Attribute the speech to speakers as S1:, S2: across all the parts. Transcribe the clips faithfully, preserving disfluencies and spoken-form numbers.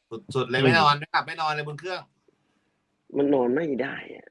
S1: สุดๆเลยไม่นอนไม่หลับไม่นอนเลยบนเครื่อง
S2: มันนอนไม่ได้อะ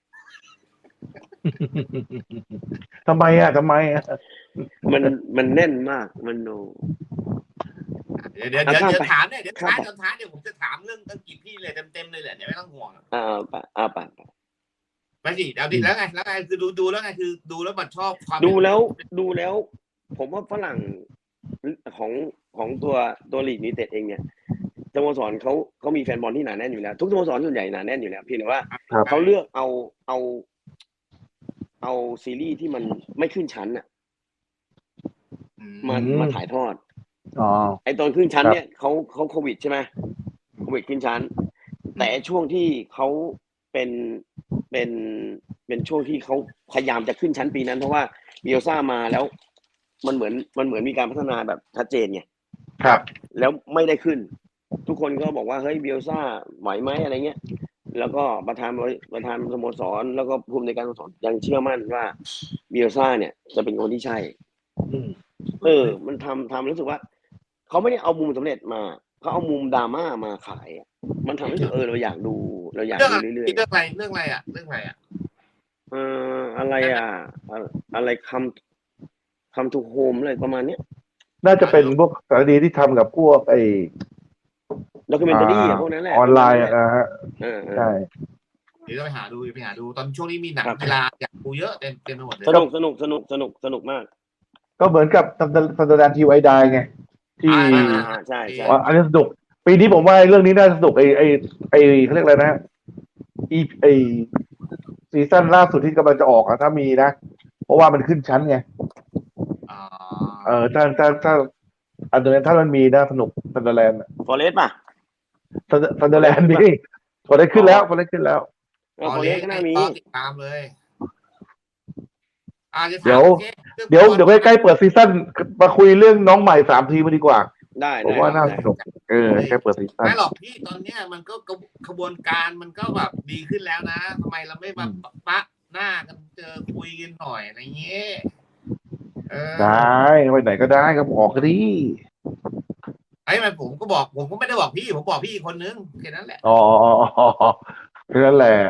S3: ทำไมอ่ะทำไมอ่ะ
S2: มันมันแน่นมากมันโน
S1: เดี๋ยวเดี๋ยวเดี๋ยวเดี๋ยวถามเนี่ยเดี๋ยวท้ายตอนท้ายเดี๋ยวผมจะถามเรื่องอังกฤษพี่เลยเต็มๆเลยแหละเดี๋ยวไม่ต้องห่วง
S2: อ่าปะอ่าปะ
S1: ไปสิเดี๋ยวดิแล้วไงแล้วไงคือดูดูแล้วไงคือดูแล้วมันชอบความ
S2: ดูแล้วดูแล้ว ผมว่าฝรั่งของของตัวตัวลีกยูไนเต็ดเองเนี่ยสโมสรเขาเขามีแฟนบอลที่หนาแน่นอยู่แล้วทุกสโมสรส่วนใหญ่หนาแน่นอยู่แล้วเพียงแต่ว่าเขาเลือกเอาเอาเอาซีรีส์ที่มันไม่ขึ้นชั้นอ่ะมามาถ่ายทอด
S3: อ๋อ
S2: ไอตอนขึ้นชั้นเนี่ยเขาเขาโควิดใช่ไหมโควิดขึ้นชั้นแต่ช่วงที่เขาเป็นเป็นเป็นช่วงที่เขาพยายามจะขึ้นชั้นปีนั้นเพราะว่าเบียลซ่ามาแล้วมันเหมือนมันเหมือนมีการพัฒนาแบบชัดเจนไง
S3: ครับ
S2: แล้วไม่ได้ขึ้นทุกคนก็บอกว่าเฮ้ยเบียลซ่าไหวไหมอะไรเงี้ยแล้วก็ประธานประธานสโมสรแล้วก็ผู้อำนวยการสโมสรยังเชื่อมั่นว่าเบียลซ่าเนี่ยจะเป็นคนที่ใช่เออมันทำทำรู้สึกว่าเขาไม่ได้เอามุมสำเร็จมาเขาเอามุมดราม่ามาขายมันทำให้เออเราอยากดูเราอยากดูเรื่อยๆ
S1: เรื่องอะไรเรื่องอะไรอ่ะเรื่องอะไรอ่ะ
S2: เอ่ออะไรอ่ะอะไรคำคำทูโฮมอะไรประมาณเนี้ย
S3: น่าจะเป็นพวกสารคดีที่ทำกับพวกไอ้
S2: ด็อกิเมนตารี่พวกนั้นแหละ
S3: ออนไลน์อ่ะฮะใช่
S1: เดี๋ยวไปหาดูไปหาดูตอนช่วงนี้มีหนังกีฬาอยากดูเยอะเต็มเต็มไปหมดเลย
S2: สนุกสนุกสนุกสนุกสนุกมาก
S3: ก็เหมือนกับซันเดอร์แลนด์ทีไวดายไงที่
S2: ใช่ใช่
S3: อันนี้สนุกปีนี้ผมว่าเรื่องนี้น่าสนุกไอ้ไอ้ไอ้เขาเรียกอะไรนะอีไอ้ซีซั่นล่าสุดที่กำลังจะออกอะถ้ามีนะเพราะว่ามันขึ้นชั้นไงเออถ้าถ้าถ้าอันเดอร์แลนด์ถ้ามันมีน่าสนุกซันเดอร์แลนด์
S2: ฟอเรสต์ป่ะ
S3: ซันเดอร์แลนด์นี่พอได้ขึ้นแล้วพอได้ขึ้นแล้ว
S2: ฟอเรสต์ก็น่ามี
S1: ติดตามเลย
S3: เดี๋ยวเดี๋ยวเดี๋ยวใกล้ๆเปิดซีซั่นมาคุยเรื่องน้องใหม่สามทีมาดีกว่า
S2: ได้
S3: ผมว่าน่าสนุกเออใกล้เปิดซีซั่น
S1: ไม่หรอกพี่ตอนเนี้ยมันก็กระบวนการมันก็แบบดีขึ้นแล้วนะทำไมเราไม่มาปะหน้ากันเจอคุยกันหน่อยอะไรเงี้ย
S3: ได้ไปไหนก็ได้ก็บอกกันดิ
S1: ไอ้มันผมก็บอกผมก็ไม่ได้บอกพี่ผมบอกพี่คนนึงแค่นั้นแหละ
S3: อ๋อแค่นั้นแหละ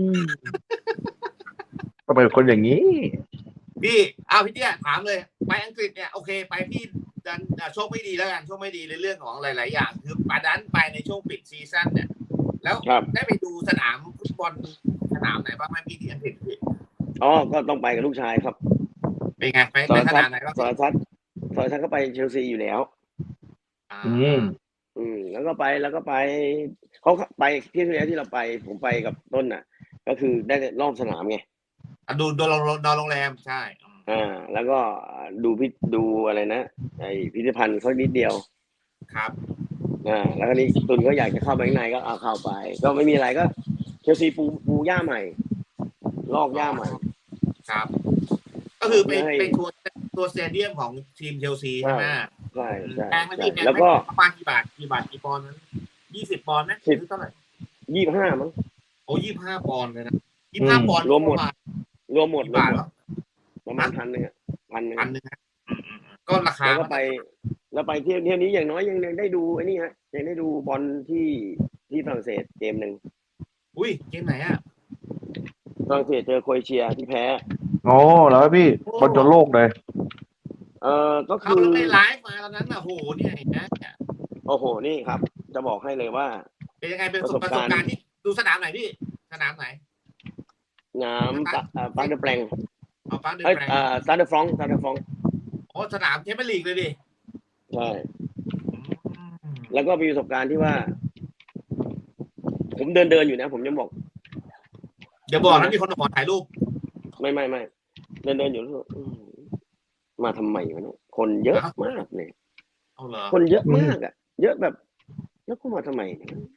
S3: ก็เป็นคนอย่างนี้
S1: พี่เอาพี่เตี้ยถามเลยไปอังกฤษเนี่ยโอเคไปพี่ดันโชคไม่ดีแล้วกันโชคไม่ดีในเรื่องของหลายๆอย่างคือปาดันไปในช่วงปิดซีซั่นเนี่ยแล้วได้ไปดูสนามฟุตบอลสนามไหนบ้างไหมพี่ที่อังกฤษพี่
S2: อ๋อก็ต้องไปกับลูกชายครับ
S1: เป็นไงไปไปสนามไหนบ้าง
S2: สารชัดสารชัดก็ไปเชลซีอยู่แล้ว
S3: อืม
S2: อืมแล้วก็ไปแล้วก็ไปเขาไปที่ที่แล้วที่เราไปผมไปกับต้นน่ะก็คือได้รอบสนามไง
S1: ดูดูนอนโรงแรมใช่
S2: อ่าแล้วก็ดูพิดูอะไรนะไอพิพิธภัณฑ์เขานิดเดียว
S1: ครับ
S2: อ่าแล้วก็นี่ตุนก็อยากจะเข้าไปข้างในก็เอาเข้าไปก็ไม่มีอะไรก็เชลซีปูปูหญ้าใหม่ลอกหญ้าใหม่
S1: ครับก็คือไปไปทัวร์ตัวสเตเดียมของทีมเชลซีใช่ไหม
S2: ใช่ใช่
S1: แพงไหมพี่แพงไหมประมาณกี่บาทกี่บาทกี่ปอนด์นั้นยี่สิบปอนด์ไหมหรือเท่าไหร่
S2: ยี่สิบห้ามั้ง
S1: โอ้ยี่สิบห้าปอนด์เลยนะยี่สิบห้าปอนด์
S2: รวมหมดรวมหมด
S1: บาท
S2: ประมาณพันหนึ่งพันหนึ่ง
S1: พันหนึ่งก็ราคา
S2: แล้วก็ไปแล้วไปเที่ยวเที่ยวนี้อย่างน้อยยังยังได้ดูไอ้นี่ฮะยังได้ดูบอลที่ที่ฝรั่งเศสเกมหนึ่ง
S1: อุ้ยเกมไหนอ่ะ
S2: ฝรั่งเศสเจอโครเอเชียที่แพ้
S3: โอ้แล้วพี่บอลจนโลกเลย
S2: เออก็คือ
S1: เขาได้ไลฟ์มาตอนนั้นอ่ะโหเนี่ยนะ
S2: โอ้โหนี่ครับจะบอกให้เลยว่า
S1: เป็นยังไงเป็นประสบการณ์ที่ดูสนามไหนพี่สนามไหน
S2: น้ำปังเดอร์แปลง
S1: อ๋อปังเดอร์
S2: แป
S1: ลง
S2: เอ่อซาเดอร์ฟรองซาเดอร์ฟรอง
S1: โอ้สนามแชมเปี้ยนลีกเลยดิ
S2: ใช่แล้วก็มีประสบการณ์ที่ว่าผมเดินเดินอยู่นะผมยังบอก
S1: เดี๋ยวบอกนะมีคนขอถ่ายรูป
S2: ไม่ไม่ไม่เดินเดินอยู่มาทำไมวะเนี่ยคนเยอะมากเลยคนเยอะมากอ่ะเยอะแบบแล้วก็มาทำไม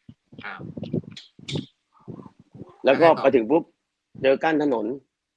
S2: แล้วก็ไปถึงปุ๊บเจอกั้นถนน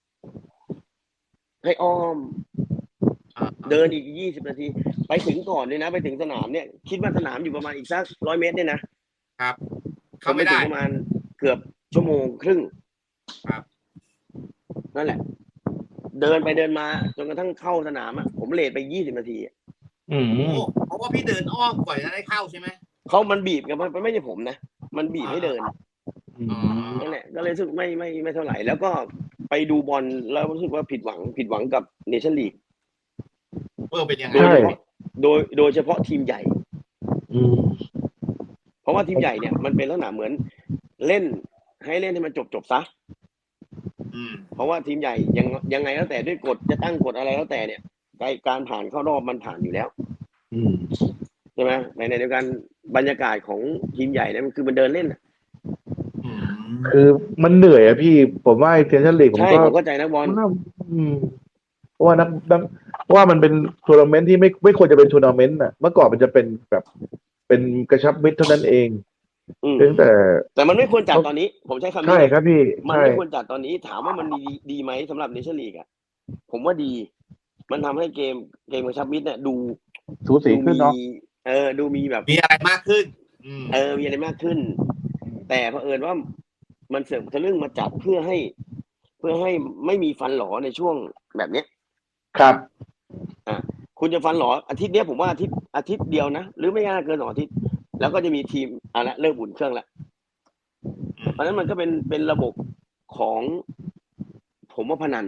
S2: ให้อ้อมเดินอีกยี่สิบนาทีไปถึงก่อนเลยนะไปถึงสนามเนี่ยคิดว่าสนามอยู่ประมาณอีกสักร้อยเมตรเนี่ยนะครับ
S1: เขาไม่ได้
S2: ประมาณเกือบชั่วโมงครึ่ง
S1: ครับ
S2: นั่นแหละเดินไปเดินมาจนกระทั่งเข้าสนามอ่ะผมเลทไปยี่สิบนาที
S3: อืม
S1: เพราะว่าพี่เดินอ้อมก่อนจะได้เข้าใช่ไหม
S2: เขามันบีบกันมันไม่ใช่ผมนะมันบีบให้เดิน
S3: อืม
S2: นั่นแหละก็เลยรู้สึกไม่ไม่ไม่เท่าไหร่แล้วก็ไปดูบอลแล้วรู้สึกว่าผิดหวังผิดหวังกับเนชั่นลีก
S1: เออเป็นยังไง
S2: โดย
S3: ใช่
S2: เฉพาะโดยโดยเฉพาะทีมใหญ่
S3: อืม
S2: เพราะว่าทีมใหญ่เนี่ยมันเป็นลักษณะเหมือนเล่นให้เล่นให้มันจบจบซะ
S1: อืม
S2: เพราะว่าทีมใหญ่ยังยังไงแล้วแต่ด้วยกฎจะตั้งกฎอะไรแล้วแต่เนี่ยการผ่านเข้ารอบมันผ่านอยู่แล้ว
S3: อืม
S2: ใช่ไหมในในเดียวกันบรรยากาศของทีมใหญ่เนี่ยมันคือมันเดินเล่นน่ะ
S1: อืม
S3: คือมันเหนื่อยอะพี่ ผมว่าไอ้เทนชั่นลีกผม
S2: ใช่
S3: ก็
S2: ผมเข้าใจนักบอล
S3: ว่าอืมเพราะว่านักนักเพราะว่ามันเป็นทัวร์นาเมนต์ที่ไม่ไม่ควรจะเป็นทัวร์นาเมนต์น่ะเมื่อก่อนมันจะเป็นแบบเป็นกระชับมิตรเท่านั้นเอง
S2: อืม
S3: ตั้งแต่
S2: แต่มันไม่ควรจัดตอนนี้ ผมใช้คำนี้
S3: ใช่ครับพี่
S2: มัน
S3: ใช่
S2: ไม่ควรจัดตอนนี้ถามว่ามันดีดีไหมสำหรับเนชั่นลีกอ่ะผมว่าดี มันทำให้เกมเกมกระชับมิตรเนี่ยดู
S3: สูสี
S2: ดู
S3: ขึ้น
S2: มี
S3: เนาะ
S2: เออดูมีแบบ
S1: มีอะไรมากขึ้น อืม
S2: เออมีอะไรมากขึ้น แต่เผอิญว่ามันเสริมทะลึ่งมาจัดเพื่อให้ เพื่อให้ไม่มีฟันหลอในช่วงแบบเนี้ย
S3: ครับ
S2: คุณจะฟันหลออาทิตย์เนี้ยผมว่าอาทิตย์อาทิตย์เดียวนะหรือไม่น่าเกินสองอาทิตย์แล้วก็จะมีทีมอ่ะละเริ่มอุ่นเครื่องแล้วเพราะฉะนั้นมันก็เป็นเป็นระบบของผมว่าพนัน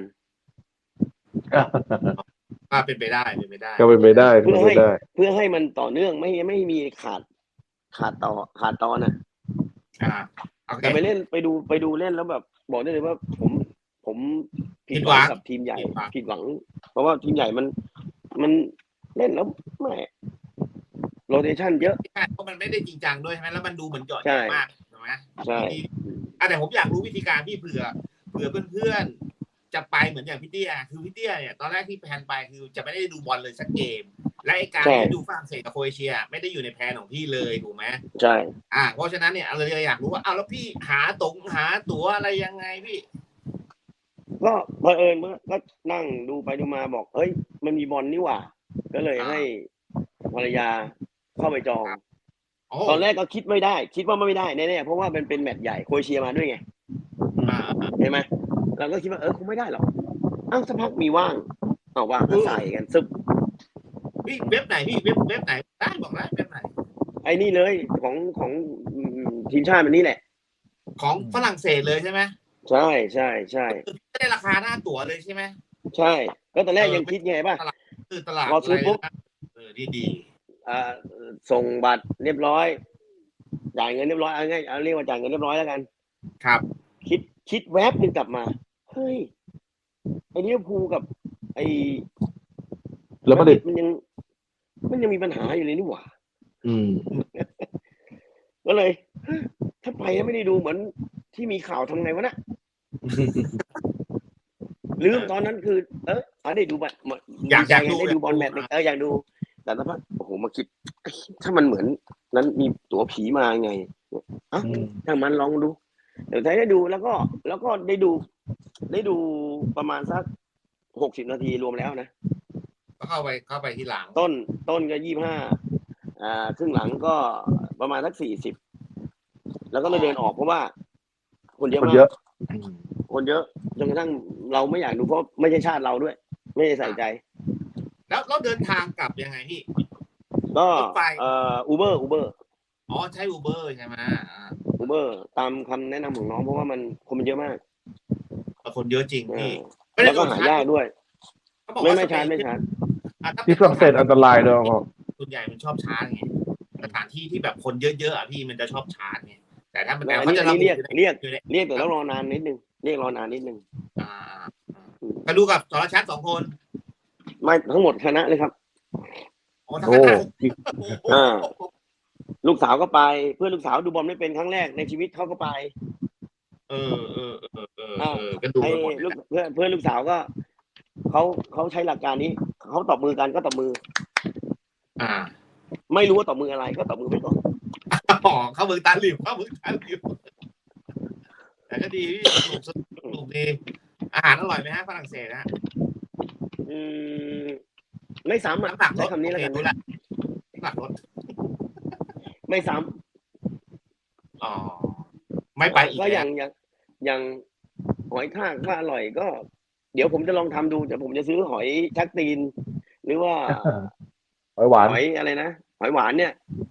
S1: อ่าเป็นไปได้เป็นไปได้
S3: ก็เป็นไปได้
S2: เพื่
S3: เป็
S2: อน
S3: ไป
S2: ให้
S3: ได้
S2: เพื่อให้มันต่อเนื่องไม่ไม่มีขาดขาดต่อขาดตอนอ่ะ
S1: อ่าโอเค
S2: แต่ไปเล่นไปดูไปดูเล่นแล้วแบบ บอกได้เลยว่าผมผมผิดหวังกับทีมใหญ่ผิดหวัง เพราะว่าทีมใหญ่มันมันเล่นแล้วไม่โรเทชันเยอะ
S1: ใช่เพราะมันไม่ได้จริงจังด้วยใช่ไหมแล้วมันดูเหมือนเจาะ
S2: ใช่
S1: จงมากถูกไหม
S2: ใช่
S1: อ่ะแต่ผมอยากรู้วิธีการพี่เผื่อเผื่อเพื่อนๆจะไปเหมือนอย่างพี่เตี้ยคือพี่เตี้ยเนี่ยตอนแรกที่แพลนไปคือจะไม่ได้ดูบอลเลยสักเกม และไอ้การ
S2: ใช่
S1: ที่ดูฝรั่งเศสกับโครเอเชีย ไม่ได้อยู่ในแผนของพี่เลยถูกไหม
S2: ใช่
S1: อ่าเพราะฉะนั้นเนี่ยเราเลยอยากรู้ว่าอ้าวแล้วพี่หาตรงหาตั๋วอะไรยังไงพี่
S2: ก็บังเอิญเมื่อก็นั่งดูไปดูมาบอกเฮ้ยมันมีบอลนี่หว่า ก็เลย
S1: อ่า
S2: ให้ภรรยาเข้าไปจอง
S1: โอ้
S2: ตอนแรกก็คิดไม่ได้ คิดว่าไม่ได้แน่ๆเพราะว่ามันเป็นแมตช์ใหญ่โครเอเชียมาด้วยไง
S1: อ่า
S2: เห็นไหมเราก็คิดว่าเออคงไม่ได้หรอกอ้าวสักพักมีว่างเอาว่างก็ใส่กันซึบ
S1: พี่เว็บไหนพี่เว็บเว็บไหนได้บอกได้เว็บไหน
S2: ไอ้นี่เลยของของอืมทีมชาติมันนี่แหละ
S1: ของฝรั่งเศสเลยใช่ไหม
S2: ใช่ใช่ใช่
S1: คือไม่ได้ราคาหน้าตั๋วเลยใช่ไหม
S2: ใช่ ก็ตอนแรกยังคิดไงป่ะ
S1: คือตลาด
S2: พอซื้อปุ๊บ
S1: ะไรนะเออดีดี
S2: อ่าส่งบัตรเรียบร้อยจ่ายเงินเรียบร้อยเอาง่ายเอาเรียกว่าจ่ายเงินเรียบร้อยแล้วกัน
S1: ครับ
S2: คิดคิดแวบหนึ่งกลับมาเฮ้ยไอ้ลิเวอร์พูลกับ ไอ้
S3: แล้วมาดริด
S2: มันยัง มันยังมีปัญหาอยู่เลยนี่หว่า
S3: อืม
S2: ก็เลยเฮ้ยถ้าไปแล้วไม่ได้ดูเหมือนที่มีข่าวทำไงวะนะลืมตอนนั้นคือ เออเอาได้ดูบัตร
S1: อยากอยากดู
S2: ได้ดูบอลแมตช์เอออยากดู แต่ถ้าโอ้โหมาคิดถ้ามันเหมือนนั้นมีตั๋วผีมาไงอ่ะ
S3: อืม
S2: ถ้ามันลองดู เดี๋ยวได้ดูแล้วก็ แล้วก็ได้ดู ได้ดูประมาณสักหกสิบนาทีรวมแล้วนะ
S1: ก็เข้าไปเข้าไปที่หลัง
S2: ต้นต้นก็ยี่ห้าอ่าครึ่งหลังก็ประมาณสักสี่สิบแล้วก็เลยเดินออกเพราะว่า คนเยอะ
S3: คน
S2: มา
S3: เยอะ
S2: ก คนเยอะจนกระทั่งเราไม่อยากดูเพราะไม่ใช่ชาติเราด้วย ไม่ได้ใส่ใจ
S1: แล้วเราเดินทางกลับยังไงพี่
S2: ก็
S1: รถไฟ
S2: เอ่ออูเบอร์อูเบอร์
S1: อ๋อใช้อูเบอร์ใช่ไหมอ่า
S2: อูเบอร์ตามคำแนะนำของน้องเพราะว่ามันคนมันเยอะมาก
S1: คนเยอะจริง
S2: เอ
S1: พี่
S2: อแล้วก็หายากด้วย
S1: เขาบอก
S2: ไม่
S1: ว่า
S2: ไม่ชาร์จไม่ชาร์จ
S1: อ่ะถ้า
S3: ที่ฝรั่งเศสอันตรายด้วยก็
S1: ส่วนใหญ่มันชอบชาร์จไงสถานที่ที่แบบคนเยอะๆอ่ะพี่มันจะชอบชาร์จไงแต่ถ้ามัน
S2: อัน
S1: เขา
S2: นี้
S1: จะ
S2: อันนี้เรียก
S1: อยู่ใน
S2: เรียก
S1: อยู่ใน
S2: เรียกแต่ต้องรอนานนิดนึงเรียกรอนานนิดนึง
S1: อ่าไปดูกับสรชัดสองคน
S2: ไม่ทั้งหมดคณะเลยครับ
S1: อ๋อทั้ง
S3: โอ้
S1: นั้น
S2: อ่า ลูกสาวก็ไปเพื่อนลูกสาวดูบอลไม่เป็นครั้งแรกในชีวิตเขาก็ไป
S1: เออเออเออเออเออก็ดู
S2: ไอ้
S1: กันหมด
S2: ลูกเพื่อนเพื่อนลูกสาวก็เขาเขาใช้หลักการนี้เขาตบมือกันก็ตบมือ
S1: อ่า
S2: ไม่รู้ว่าตบมืออะไรก็ตบมือไปก่อน
S1: อ๋อเข้ามือตาหลิวเข้ามือตาหลิวแต่ก็ดีพี่สนุกสนุกดีอาหารอร่อยไหมฮะฝรั่งเศสนะ
S2: อืมไม่ซ้ำอ่ะ
S1: น้ำหนักล
S2: ใช้
S1: ด
S2: คำนี้แล้วกัน
S1: โอเครู้ละน้ำหนักลด
S2: ไม่ซ้
S1: อ๋อไม่
S2: ำ
S1: ไปอีก
S2: ก็
S1: แล้ว
S2: อย่างอย่างอย่างหอยทากว่าอร่อยก็ เดี๋ยวผมจะลองทำดูแต่ผมจะซื้อหอยชักตีน หรือว่า
S3: หอยหวาน
S2: หอยอะไรนะหอยหวานเนี่ย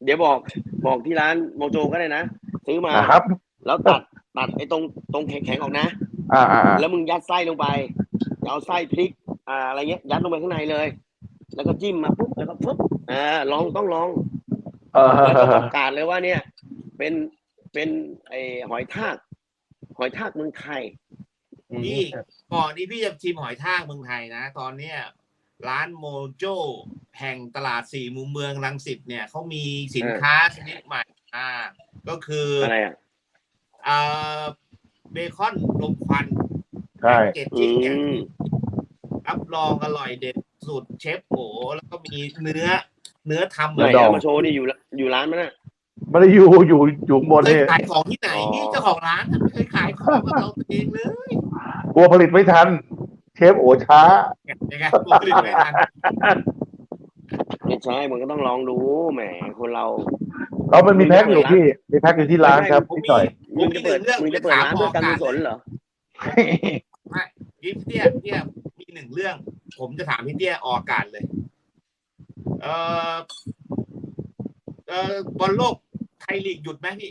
S2: ดี๋ยวบอกบอกที่ร้านโมโจก็ได้นะซื้อมา
S3: อ่าครับ
S2: แล้วตัดตัดไอ้ตรงตรงแข็งๆออกนะ
S3: อ่าอ่าอ่า
S2: แล้วมึงยัดไส้ลงไปเอาไส้พริกอ่าอะไรเงี้ยยัดลงไปข้างในเลย แล้วก็จิ้มมาปุ๊บแล้วก็ปุ๊บอ่าลองต้องลอง
S3: เออ
S2: แล้วก็ประกาศเลยว่าเนี่ย เป็นเป็นไอหอยทากหอยทากเมืองไทย
S1: พี่ก่อนที่พี่จะชิมหอยทากเมืองไทยนะตอนเนี้ยร้านโมโจแห่งตลาดสี่มุมเมืองรังสิตเนี่ยเขามีสินค้าชนิดใหม่อ่าก็คือ
S2: อะไรอ่ะ
S1: อ่าเบคอนลมควัน
S3: ใช่
S1: เกจ
S2: อื
S1: จิ้งเนี่ย
S2: ม
S1: รับรองอร่อยเด็ดสูตรเชฟโอแล้วก็มีเนื้อ เนื้อทำ
S2: ไหน
S1: เลย
S2: เอามาโชว์นี่อยู่อยู่ร้านมันน่ะ
S3: ไม่ได้อยู่อยู่อยู่ข้างบน
S1: เคย
S3: นี่
S1: ขายของที่ไหน
S2: อ๋อ
S1: นี่เจ้าของร้านอะไม่เคยขายของกับเราเองเลย
S3: กลัวผลิตไม่ทัน เชฟโอช้า
S1: ยังไงกูผลิตไม่ทัน
S2: ไม่ใช่มันก็ต้องลองดูแหมคนเรา
S3: เรามันมีแพ็คอยู่พี่มีแพ็คอยู่ที่ร้านครับ
S1: ผม
S3: พี่
S1: มี
S3: หน่อย
S2: มึงจะเปิดมึงจะเปิดร้านเพื่อการกุศลเหรอ
S1: ไม่พี่เตี้ยเตี้ยมีหนึ่งเรื่อง ผมจะถามพี่เตี้ยออกอากาศเลย เอ่อเอ่อบอลโลกไทยลีกหยุดไหมพี่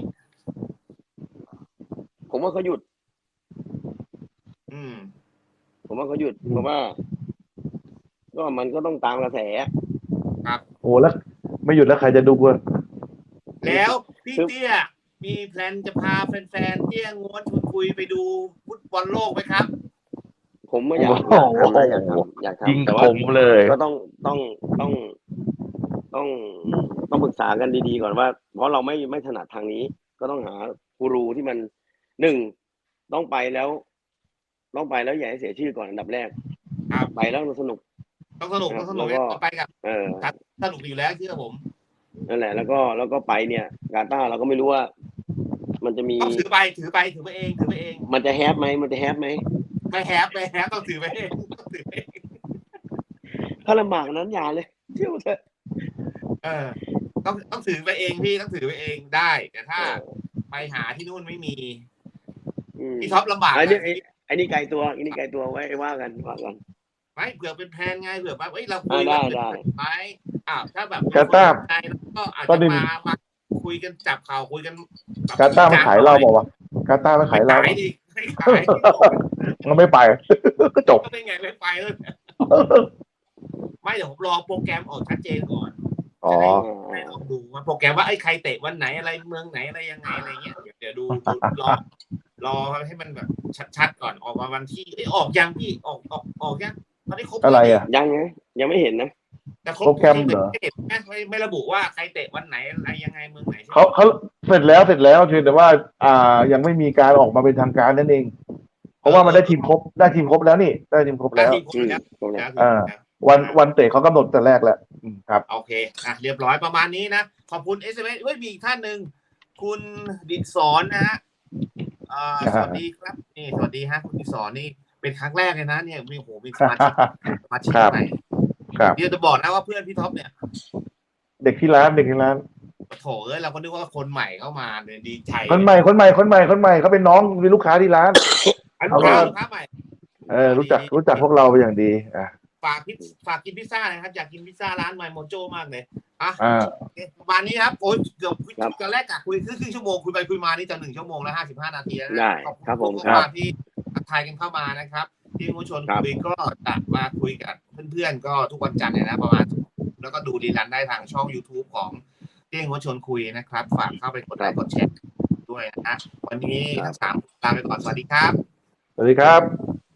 S2: ผมว่าเขาหยุด
S1: อืม
S2: ผมว่าเขาหยุดเพราะว่า ก็มันก็ต้องตามกระแส
S3: โอ้แล้วไม่หยุดแล้วใครจะดูวะ
S1: แล้วพี่เตี้ยมีแพลนจะพาแฟนๆเตี้ยงวนชวนคุยไปดูฟุตบอลโลกไหมครับ
S2: ผมไม่อยากอยากทำนะอยากทำอยาก
S3: ยิง
S2: ทำแต่
S3: ผ
S2: ว่า
S3: มเลย
S2: ก็ต้องต้องต้องต้องต้องปรึกษากันดีๆก่อนว่า เพราะเราไม่ไม่ถนัดทางนี้ ก็ต้องหากูรูที่มันหนึ่งต้องไปแล้ว ต้องไปแล้วอย่าให้เสียชื่อก่อนอันดับแรก
S1: ครับ
S2: ไปแล้วสนุก
S1: ต้องสนุกต้องสนุก
S2: แล้วก็
S1: เราไปกับ
S2: เออ
S1: สนุกอยู่แล้วเชื่อผม
S2: นั่นแหละ แล้วก็แล้วก็ไปเนี่ยกาตาร์เราก็ไม่รู้ว่า มันจะมี
S1: ต้องถือไปถือไปถือไปเองถือไปเอง
S2: มันจะแฮปไหมมันจะแฮปไหม
S1: ไม่แฮปไม่แฮปต้องถือไปเองต้องถือไปเอง
S2: ถ้าลำบากนั้นอย่าเลยเที่ยวเถอะ
S1: เออ ต้องต้องถือไปเองพี่ต้องถือไปเองได้ แต่ถ้า
S2: เออ
S1: ไปหาที่นู่นไม่มี
S2: อืม
S1: พี่ท็อปลำบาก
S2: ไอ้นี่
S1: นะ
S2: ไอ้ไอ้นี่ไกลตัวไอ้นี่ไกลตัวไว้ว่ากันว่ากัน
S1: ไม่เผื่อเป็นแพลนไงเผื่อว่าเอ้ยเราคุ
S2: อ่าย ได้
S1: แบบ
S2: ได้
S1: ไปอ้าวถ้าแบบ
S3: กาตาร์
S1: ใจแล้วก็อาจ
S3: ก็
S1: จะ
S3: ดึง
S1: มามาคุยกันจับข่าวคุยกันแบบ
S3: กาตาร์ไม่ขายเราบอกว่ากาตาร์ไม่ขายเรา
S1: ขายดิไม่ขาย
S3: มันไม่ไป ก็จบ
S1: ก็ได้ไงไม่ไปเลยไม่เดี๋ยวผมรอโปรแกรมออกชัดเจนก่อน
S3: อ๋อ
S1: ให้ลองดูว่าโปรแกรมว่าไอ้ยใครเตะวันไหนอะไรเมืองไหนอะไรยังไงอะไรเงี้ยเดี๋ยวเดี๋ยวดูดูรอรอให้มันแบบชัดๆก่อนออกมาวันที่เอ้ยออกยังพี่ออกออกออกยังตอนนี้ครบ
S3: อะไรอ่ะ
S2: ยังไงยังไม่เห็นนะ
S1: แต่ครบ
S3: โปรแกรมเหรอ
S1: ไม่เห็นนะไม่ไม่ระบุว่าใครเตะวันไหนอะไรยังไงเมืองไหนใช่ไหม
S3: เขาเขาเสร็จแล้วเสร็จแล้วเพียงแต่ว่า อ่ายังไม่มีการออกมาเป็นทางการนั่นเอง เพราะว่ามันได้ทีมครบได้ทีมครบแล้วนี่ได้ทีมครบ
S1: ได้
S3: แล้ว
S1: ทีมครบแล้ว
S2: ตรงเนี้ย
S1: แล้ว
S3: อ่า วันวันเตะเขากำหนดแต่แรกแล้วอืมครับ
S1: โอเคอ่ะเรียบร้อยประมาณนี้นะขอบคุณเอสเอ็มเอสเฮ้ยมีอีกท่านหนึ่งคุณดิษสอนนะฮะอ่าสวัสดีครับนี่สวัสดีฮะคุณดิษสอนนี่เป็นครั้งแรกเลยนะเนี่ยมีโหมีสมาชิกสมาชิก
S3: ครับ
S1: ใหม่
S3: ครับ
S1: เดี๋ยวจะบอกนะว่าเพื่อนพี่ท็อปเนี่ย
S3: เด็กที่ร้านเด็กที่ร้าน
S1: โถเอ้ยเราก็นึกว่าคนใหม่เข้ามาเลยดีใจ
S3: คนใหม่คนใหม่คนใหม่คนใหม่เขาเป็นน้องเป็นลูกค้าที่ร้าน
S1: อันลูกค้าลูกค้าใหม่
S3: เออรู้จักรู้จักพวกเราเป็นอย่างดีอ่ะ
S1: ฝากพิซฝากกินพิซซ่านะครับอยากกินพิซซ่าร้านไมโมโจมากเลยอ่ะ
S3: อ่า
S1: โอเคประมาณนี้ครับโอ้ยเกือบ
S2: ครับ
S1: ตอนแรกกะคุยครึ่งชั่วโมงคุยไปคุยมานี่จะหนึ่งชั่วโมงแล้วห้าสิบห้านาทีแล้วนะ
S2: ได้
S1: ขอบคุณ
S2: ครับผม
S1: ทุก
S2: ครับ
S1: ท่านที่ทักทายกันเข้ามานะครับ ที่มุชน
S2: ครับ
S1: คุยก็จะมาคุยกับเพื่อนๆก็ทุกวันจันทร์เนี่ยนะประมาณแล้วก็ดูดีลันได้ทางช่อง YouTube ของเตี้ยงมุชนคุยนะครับ ฝากเข้าไปกดไลค์กดแชร์ด้วยนะฮะวันนี้ทั้งสามลาไปก่อนสวัสดีครับ
S3: สวัสดีครับ